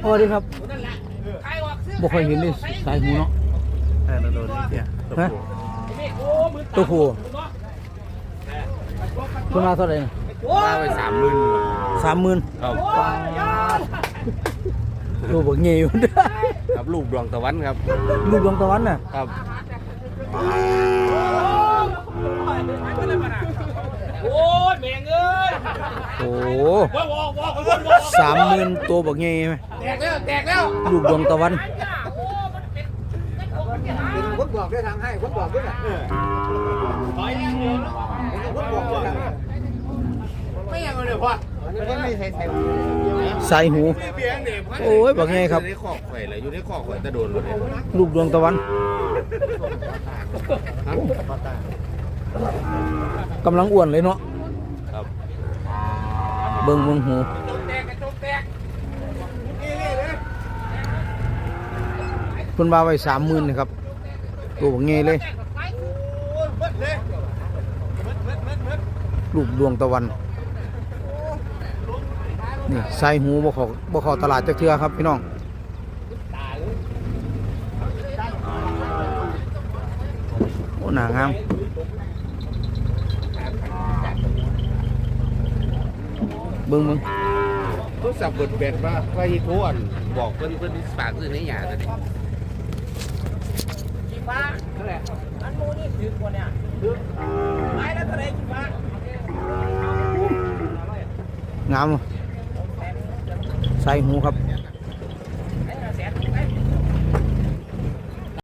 สวัสดีครับบ่ค่อยเห็นเลยสายหูเนาะเราโดนนี่เสียฮะตัวผู้ตัวมาเท่าไหร่ว่าไป30,000 30,000 ครับตัวบ่เงี้ยอยู่ครับลูกดวงตะวันครับลูกดวงตะวันน่ะครับโอ้ยแม่งเอ้ยโอ้ 30,000 ตัวบ่เงี้ยไหมแตกแล้วลูกดวงตะวันผมบอกด้วยทางให้ผมบอกด้วยนะผมบอกด้วยนะไม่ยังเลยพ่อไม่ใช่ใส่สายหูโอ้ยบ่เงี้ยครับอยู่ในคอกไข่เลยอยู่ในคอกไข่ตะโดนเลยลูกดวงตะวันกำลังอ้วนเลยเนาะครับเบิ่งหูแตกกระจกแตกเพิ่นว่าไว้30,000นะครับตัวบ่เงี้ยเลยลูกดวงตะวันนี่ใส่หูบ่เข้าตลาดจักเทื่อครับพี่น้องโอ้หน้างามเบิ่งเขาสับเบิดแบดมาไปโทนบอกเพิ่นฝากซื้อในหยาตัวนี้กี่ฟ้าเท่าไหร่อันโมนี่ถือกว่าเนี่ยถือไม้แล้วเท่าไหร่กี่ฟ้างามใส่หูครับ